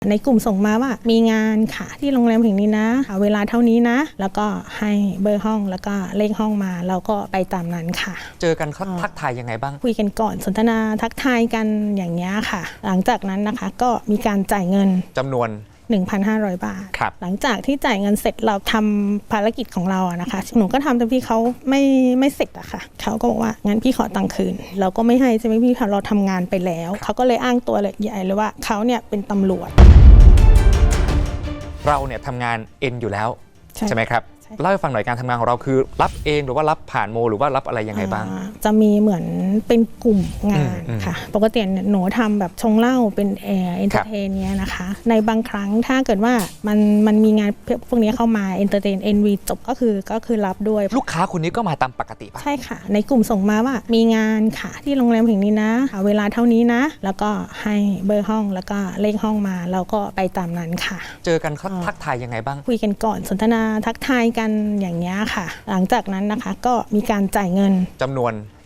ในกลุ่มส่งมาว่ามีงานค่ะที่โรงแรมแห่งนี้นะเวลาเท่านี้นะแล้วก็ให้เบอร์ห้องแล้วก็เลขห้องมาเราก็ไปตามนั้นค่ะเจอกันเขาทักทายยังไงบ้างคุยกันก่อนสนทนาทักทายกันอย่างนี้ค่ะหลังจากนั้นนะคะก็มีการจ่ายเงินจำนวน 1,500 บาทหลังจากที่จ่ายเงินเสร็จเราทำภารกิจของเราอะนะคะหนูก็ทำแต่พี่เขาไม่เสร็จอะค่ะเขาก็บอกว่างั้นพี่ขอตังค์คืนเราก็ไม่ให้ใช่ไหมพี่เราทำงานไปแล้วเขาก็เลยอ้างตัวเลยใหญ่เลยว่าเขาเนี่ยเป็นตำรวจเราเนี่ยทำงานเอ็นอยู่แล้วใช่ไหมครับเล่าให้ฟังหน่อยการทำงานของเราคือรับเองหรือว่ารับผ่านโมหรือว่ารับอะไรยังไงบ้างจะมีเหมือนเป็นกลุ่มงานค่ะปกติหนูทำแบบชงเหล้าเป็นเอนเตอร์เทนเนี้ยนะคะในบางครั้งถ้าเกิดว่ามันมีงานพวกนี้เข้ามาเอนเตอร์เทนเอ็นวีจบก็คือรับด้วยลูกค้าคนนี้ก็มาตามปกติป่ะใช่ค่ะในกลุ่มส่งมาว่ามีงานค่ะที่โรงแรมแห่งนี้นะเวลาเท่านี้นะแล้วก็ให้เบอร์ห้องแล้วก็เลขห้องมาเราก็ไปตามนั้นค่ะเจอกันเขาทักทายยังไงบ้างคุยกันก่อนสนทนาทักทายกันอย่างนี้ค่ะหลังจากนั้นนะคะก็มีการจ่ายเงินจำนวน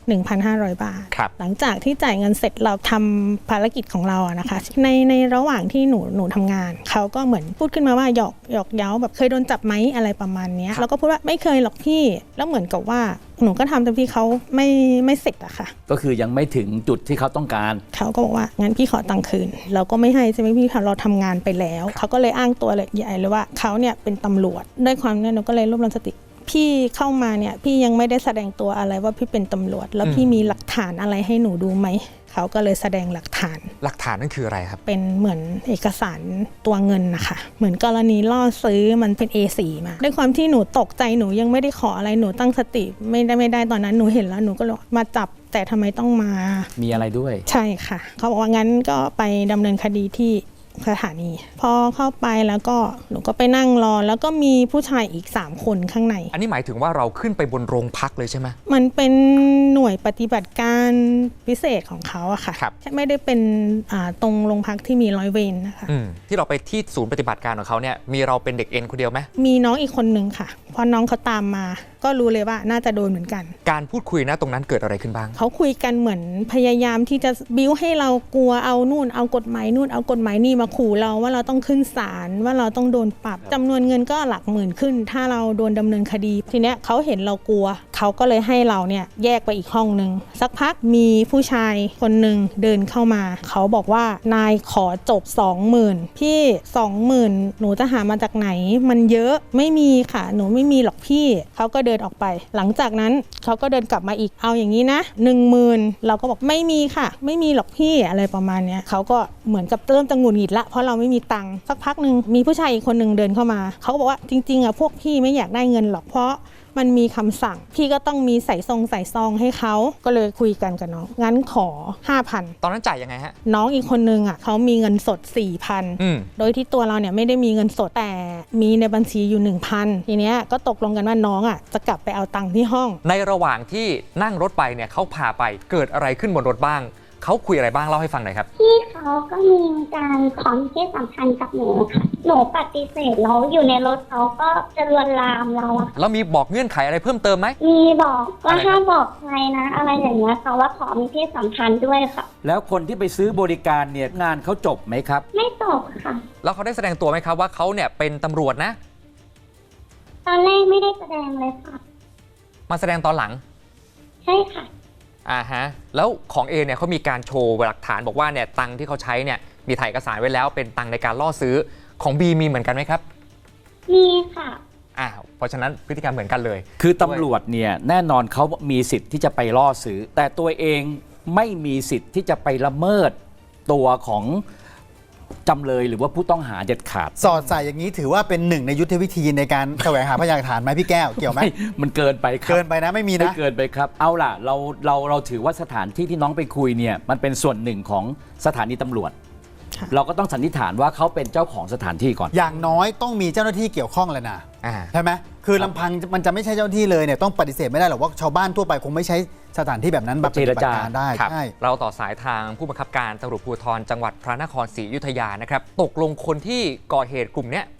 1,500 บาทหลังจากที่จ่ายเงินเสร็จเราทำภารกิจของเราอะนะคะในระหว่างที่หนูทำงานเขาก็เหมือนพูดขึ้นมาว่าหยอกเย้าแบบเคยโดนจับไหมอะไรประมาณนี้เราก็พูดว่าไม่เคยหรอกพี่แล้วเหมือนกับว่าหนูก็ทำแต่พี่เขาไม่เสร็จอะค่ะก็คือยังไม่ถึงจุดที่เขาต้องการเขาก็บอกว่างั้นพี่ขอตังค์คืนเราก็ไม่ให้ใช่ไหมพี่เราทำงานไปแล้วเขาก็เลยอ้างตัวเลยใหญ่เลยว่าเขาเนี่ยเป็นตำรวจด้วยความเนี่ยหนูก็เลยรวบรวมสติพี่เข้ามาเนี่ยพี่ยังไม่ได้แสดงตัวอะไรว่าพี่เป็นตำรวจแล้วพี่มีหลักฐานอะไรให้หนูดูไหมเขาก็เลยแสดงหลักฐานนั่นคืออะไรครับเป็นเหมือนเอกสารตัวเงินนะคะเหมือนกรณีล่อซื้อมันเป็น A4 มาด้วยความที่หนูตกใจหนูยังไม่ได้ขออะไรหนูตั้งสติไม่ได้ตอนนั้นหนูเห็นแล้วหนูก็เลยมาจับแต่ทำไมต้องมามีอะไรด้วยใช่ค่ะเขาบอกว่างั้นก็ไปดำเนินคดีที่สถานีพอเข้าไปแล้วก็หนูก็ไปนั่งรอแล้วก็มีผู้ชายอีก3คนข้างในอันนี้หมายถึงว่าเราขึ้นไปบนโรงพักเลยใช่ไหมมันเป็นหน่วยปฏิบัติการพิเศษของเขาอะค่ะไม่ได้เป็นตรงโรงพักที่มีร้อยเวรนะคะที่เราไปที่ศูนย์ปฏิบัติการของเขาเนี่ยมีเราเป็นเด็กเอ็นคนเดียวไหมมีน้องอีกคนนึงค่ะพอน้องเขาตามมาก็รู้เลยว่าน่าจะโดนเหมือนกันการพูดคุยนะตรงนั้นเกิดอะไรขึ้นบ้างเขาคุยกันเหมือนพยายามที่จะบิ้วให้เรากลัวเอานู่นเอากฎหมายนู่นเอากฎหมายนี่มาขู่เราว่าเราต้องขึ้นศาลว่าเราต้องโดนปรับจำนวนเงินก็หลักหมื่นขึ้นถ้าเราโดนดำเนินคดีทีเนี้ยเขาเห็นเรากลัวเขาก็เลยให้เราเนี่ยแยกไปอีกห้องนึงสักพักมีผู้ชายคนนึงเดินเข้ามาเขาบอกว่านายขอจบ 20,000 พี่ 20,000 หนูจะหามาจากไหนมันเยอะไม่มีค่ะหนูไม่มีหรอกพี่เขาก็เดินออกไปหลังจากนั้นเขาก็เดินกลับมาอีกเอาอย่างนี้นะ 10,000 เราก็บอกไม่มีค่ะไม่มีหรอกพี่อะไรประมาณเนี้ยเขาก็เหมือนกับเริ่มจะหงุดหงิดละเพราะเราไม่มีตังค์สักพักนึงมีผู้ชายอีกคนนึงเดินเข้ามาเขาก็บอกว่าจริงๆอ่ะพวกพี่ไม่อยากได้เงินหรอกเพราะมันมีคำสั่งพี่ก็ต้องมีใส่ซองให้เขาก็เลยคุยกันกับน้องงั้นขอ 5,000 ตอนนั้นจ่ายยังไงฮะน้องอีกคนนึงอ่ะเขามีเงินสด 4,000 โดยที่ตัวเราเนี่ยไม่ได้มีเงินสดแต่มีในบัญชีอยู่ 1,000 ทีเนี้ยก็ตกลงกันว่าน้องอ่ะจะกลับไปเอาตังค์ที่ห้องในระหว่างที่นั่งรถไปเนี่ยเขาพาไปเกิดอะไรขึ้นบนรถบ้างเขาคุยอะไรบ้างเล่าให้ฟังหน่อยครับพี่เขาก็มีการขอมีเพศสัมพันธ์กับหนูค่ะหนูปฏิเสธแล้วอยู่ในรถเขาก็จะลวนลามเราอะแล้วมีบอกเงื่อนไขอะไรเพิ่มเติมไหมมีบอกว่าห้ามบอกใครนะอะไรอย่างเงี้ยเขาว่าขอมีเพศสัมพันธ์ด้วยค่ะแล้วคนที่ไปซื้อบริการเนี่ยงานเขาจบไหมครับไม่จบค่ะแล้วเขาได้แสดงตัวไหมครับว่าเขาเนี่ยเป็นตำรวจนะตอนแรกไม่ได้แสดงเลยค่ะมาแสดงตอนหลังใช่ค่ะแล้วของเอเนี่ยเขามีการโชว์หลักฐานบอกว่าเนี่ยตังที่เขาใช้เนี่ยมีถ่ายเอกสารไว้แล้วเป็นตังในการล่อซื้อของบีมีเหมือนกันไหมครับมีค่ะเพราะฉะนั้นพฤติกรรมเหมือนกันเลยคือตำรวจเนี่ยแน่นอนเขามีสิทธิ์ที่จะไปล่อซื้อแต่ตัวเองไม่มีสิทธิ์ที่จะไปละเมิดตัวของจำเลยหรือว่าผู้ต้องหาเด็ดขาดสอดใส่อย่างนี้ถือว่าเป็นหนึ่งในยุทธวิธีในการแสวงหาพยานหลักฐานไหมพี่แก้วเกี่ยวไหมมันเกินไปครับเกินไปนะไม่มีนะเกินไปครับเอาล่ะเราถือว่าสถานที่ที่น้องไปคุยเนี่ยมันเป็นส่วนหนึ่งของสถานีตำรวจเราก็ต้องสันนิษฐานว่าเขาเป็นเจ้าของสถานที่ก่อนอย่างน้อยต้องมีเจ้าหน้าที่เกี่ยวข้องเลยนะใช่ไหมคือลำพังมันจะไม่ใช่เจ้าหน้าที่เลยเนี่ยต้องปฏิเสธไม่ได้หรอกว่าชาวบ้านทั่วไปคงไม่ใช้สถานที่แบบนั้นแบบปฏิบัติการได้ใช่เราต่อสายทางผู้บังคับการตำรวจภูธรจังหวัดพระนครศรีอยุธยานะครับตกลงคนที่ก่อเหตุกลุ่มนี้ไป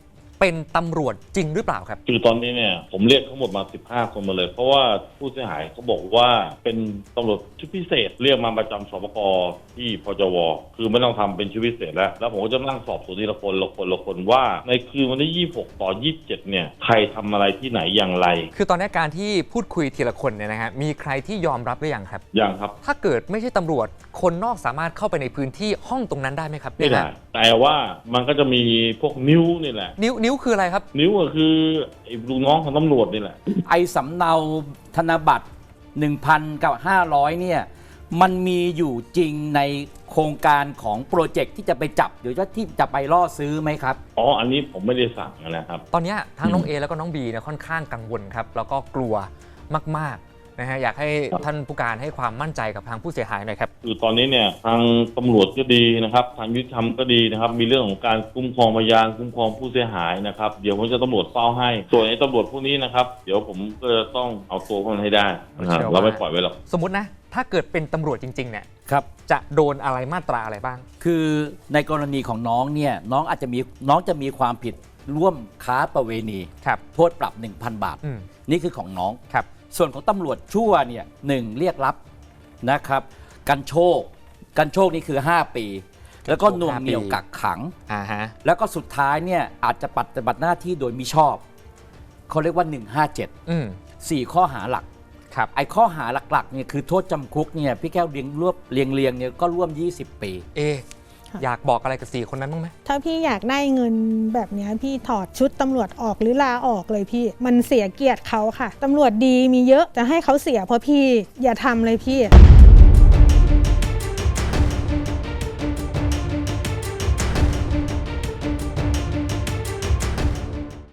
เป็นตำรวจจริงหรือเปล่าครับคือตอนนี้เนี่ยผมเรียกทั้งหมดมา15 คนมาเลย เพราะว่าผู้เสียหายเขาบอกว่าเป็นตำรวจชุดพิเศษเรียกมาประจำสปก.ที่พจว.คือไม่ต้องทำเป็นชุดพิเศษแล้วผมก็จะนั่งสอบสวนทีละคนว่าในคืนวันที่26 ต่อ 27เนี่ยใครทำอะไรที่ไหนอย่างไรคือตอนนี้การที่พูดคุยทีละคนเนี่ยนะฮะมีใครที่ยอมรับหรือยังครับยังครับถ้าเกิดไม่ใช่ตำรวจคนนอกสามารถเข้าไปในพื้นที่ห้องตรงนั้นได้ไหมครับไม่ได้ แต่ว่ามันก็จะมีพวกนิ้วนี่แหละนิ้วคืออะไรครับนิ้วก็คือไอ้ลูกน้องของตำรวจนี่แหละไอ้สำเนาธนบัตร 1,000 กับ 500เนี่ยมันมีอยู่จริงในโครงการของโปรเจกต์ที่จะไปจับหรือว่าที่จะไปล่อซื้อไหมครับอ๋ออันนี้ผมไม่ได้สั่งนะครับตอนนี้ทั้งน้องเอแล้วก็น้องบีเนี่ยค่อนข้างกังวลครับแล้วก็กลัวมากๆนะฮะอยากให้ท่านผู้การให้ความมั่นใจกับทางผู้เสียหายหน่อยครับคือตอนนี้เนี่ยทางตำรวจก็ดีนะครับทางยุติธรรมก็ดีนะครับมีเรื่องของการคุ้มครองพยานคุ้มครองผู้เสียหายนะครับเดี๋ยวผมจะตำรวจเฝ้าให้ส่วนไอ้ตำรวจพวกนี้นะครับเดี๋ยวผมก็จะต้องเอาตัวมันให้ได้นะครับเราไม่ปล่อยไว้หรอกสมมุตินะถ้าเกิดเป็นตำรวจจริงๆเนี่ยครับจะโดนอะไรมาตราอะไรบ้างคือในกรณีของน้องเนี่ยน้องจะมีความผิดร่วมค้าประเวณีครับโทษปรับ 1,000 บาทอืมนี่คือของน้องครับส่วนของตำรวจชั่วเนี่ย1เรียกรับนะครับกันโชคนี่คือ 5 ปี แล้วก็หน่วงเหนี่ยวกักขังฮะแล้วก็สุดท้ายเนี่ยอาจจะปฏิบัติหน้าที่โดยมิชอบเขาเรียกว่า 157 4 ข้อหาหลักครับไอ้ข้อหาหลักๆเนี่ยคือโทษจำคุกเนี่ยพี่แก้วเรียงเนี่ยก็ร่วม 20 ปีอยากบอกอะไรกับ4คนนั้นบ้างไหมถ้าพี่อยากได้เงินแบบเนี้ยพี่ถอดชุดตำรวจออกหรือลาออกเลยพี่ มันเสียเกียรติเขาค่ะตำรวจดีมีเยอะจะให้เขาเสียเพราะพี่อย่าทำเลยพี่